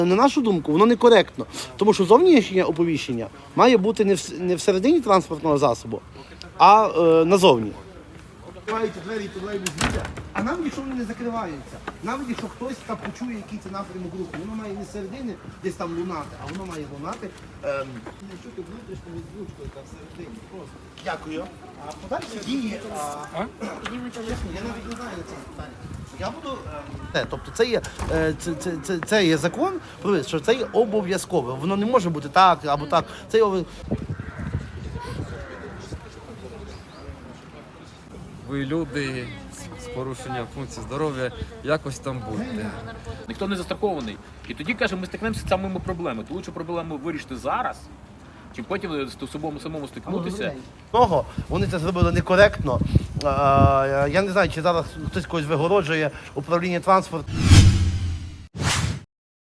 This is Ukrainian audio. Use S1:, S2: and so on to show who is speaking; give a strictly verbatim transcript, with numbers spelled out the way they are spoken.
S1: На нашу думку, воно некоректно, тому що зовнішнє оповіщення має бути не, в, не всередині транспортного засобу, а е, назовні. Відкриваються двері, тролейбус їде, а навіть якщо вони не закриваються, навіть якщо хтось там почує, який це напрямок руху, воно має не зсередини десь там лунати, а воно має лунати ем, не чути внутрішньою звучкою та всередині. Просто. Дякую. А подальші дії, а, чесно, я навіть не знаю на це питання. Я буду, ем, тобто це є, е, це, це, це, це є закон, що це є обов'язкове. Воно не може бути так або так. Це є обов'язково.
S2: Ви люди з порушенням функцій здоров'я, якось там будьте.
S3: Ніхто не застрахований. І тоді, каже, ми стикнемося з самими проблемами. То лучше проблему вирішити зараз, чим потім з собою самому стикнутися.
S1: Того, вони це зробили некоректно. А, я не знаю, чи зараз хтось когось вигороджує управління транспорту.